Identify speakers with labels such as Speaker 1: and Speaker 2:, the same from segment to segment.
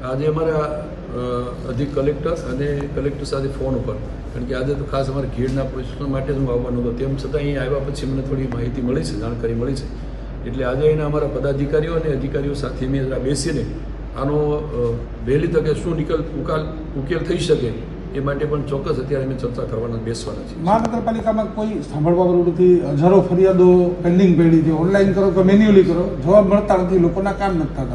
Speaker 1: આજે અમારા અધિક કલેક્ટર અને કલેક્ટર સાથે ફોન ઉપર, કારણ કે આજે તો ખાસ અમારે ખીડના પ્રશ્નો માટે જ હું આવવાનો હતો, તેમ છતાં અહીં આવ્યા પછી મને થોડી માહિતી મળી છે, જાણકારી મળી છે. એટલે આજે અહીંના અમારા પદાધિકારીઓ અને અધિકારીઓ સાથે મેં જરા બેસીને આનો વહેલી તકે શું ઉકેલ થઈ શકે એ માટે પણ ચોક્કસ અત્યારે અમે ચર્ચા કરવાના બેસવાના છીએ.
Speaker 2: મહાનગરપાલિકામાં કોઈ સાંભળવા વાળું નથી, હજારો ફરિયાદો પેન્ડિંગ પડી છે, ઓનલાઈન કરો કે મેન્યુઅલી કરો, જવાબ મળતા નથી, લોકોના કામ નથી થતા.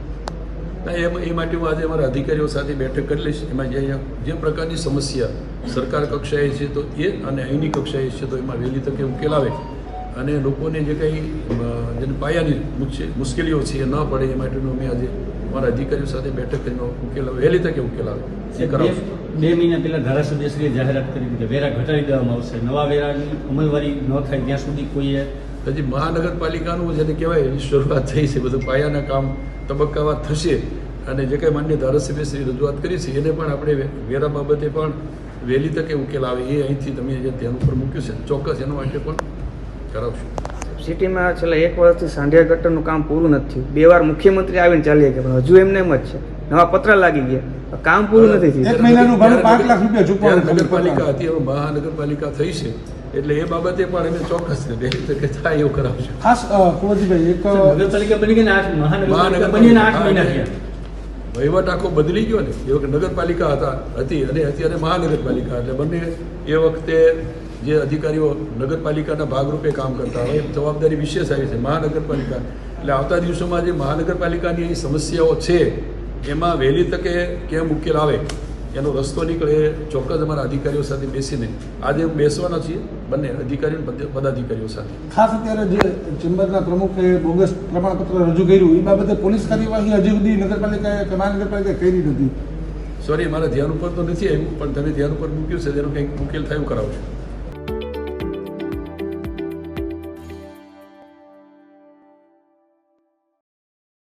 Speaker 1: એ માટે હું આજે અમારા અધિકારીઓ સાથે બેઠક કરી લઈશ. એમાં જે પ્રકારની સમસ્યા સરકાર કક્ષાએ છે તો એ અને અહીંની કક્ષાએ છે તો એમાં વહેલી તકે ઉકેલ આવે અને લોકોને જે કંઈ જેને પાયાની મુશ્કેલીઓ છે એ ન પડે એ માટેનું અમે આજે અમારા અધિકારીઓ સાથે બેઠક કરીને ઉકેલ વહેલી તકે ઉકેલ આવે એ કરાવશું.
Speaker 3: 2 મહિના પહેલાં ધારાસભ્યશ્રીએ જાહેરાત કરી કે વેરા ઘટાડી દેવામાં આવશે, નવા વેરાની અમલવારી ન થાય ત્યાં સુધી કોઈએ
Speaker 1: હજી મહાનગરપાલિકાનું જેને કહેવાય એની શરૂઆત થઈ છે, બધું પાયાના કામ તબક્કાવાર થશે અને જે કંઈ માન્ય ધારાસભ્યશ્રી રજૂઆત કરી છે એને પણ આપણે વેરા બાબતે પણ વહેલી તકે ઉકેલ આવે એ અહીંથી તમે જે ધ્યાન ઉપર મૂક્યું છે ચોક્કસ એના માટે પણ કરાવશું.
Speaker 4: સિટીમાં છેલ્લા 1 વર્ષથી સાંઢિયા ગટરનું કામ પૂરું નથી થયું. 2 વાર મુખ્યમંત્રી આવીને ચાલી ગયા પણ હજુ એમને એમ જ છે, નવા પત્ર લાગી ગયા, કામ પૂરું નથી થયું.
Speaker 2: 1 મહિનાનું ભાડું 5 લાખ રૂપિયા ચૂકવવાનું.
Speaker 1: નગરપાલિકા હતી હવે મહાનગરપાલિકા થઈ છે એટલે એ બાબતે પણ અમે ચોક્કસ વહેલી તકે થાય એવું કરાવશું.
Speaker 2: ખાસ કુંવરજીભાઈ, એક
Speaker 3: નગરપાલિકા બની ગઈ ને 8 મહાનગરપાલિકા બનીને 8 મહિના થયા.
Speaker 1: વહીવટ આખો બદલી ગયો ને, એ વખતે નગરપાલિકા હતી અને અત્યારે મહાનગરપાલિકા, એટલે બંને એ વખતે જે અધિકારીઓ નગરપાલિકાના ભાગરૂપે કામ કરતા હોય જવાબદારી વિશેષ આવી છે મહાનગરપાલિકા. એટલે આવતા દિવસોમાં જે મહાનગરપાલિકાની અહીં સમસ્યાઓ છે એમાં વહેલી તકે કેમ ઉકેલ આવે એનો રસ્તો નીકળે એ ચોક્કસ અમારા અધિકારીઓ સાથે બેસીને આજે બેસવાના છીએ, બંને અધિકારીઓ પદાધિકારીઓ સાથે.
Speaker 2: ખાસ અત્યારે જે ચેમ્બરના પ્રમુખે બોગસ પ્રમાણપત્ર રજૂ કર્યું એ બાબતે પોલીસ કાર્યવાહી હજી સુધી નગરપાલિકાએ કે મહાનગરપાલિકાએ કરી નથી.
Speaker 1: સોરી, મારા ધ્યાન ઉપર તો નથી આવ્યું પણ તમે ધ્યાન ઉપર મૂક્યું છે તેનો કંઈક ઉકેલ થયું કરાવશું.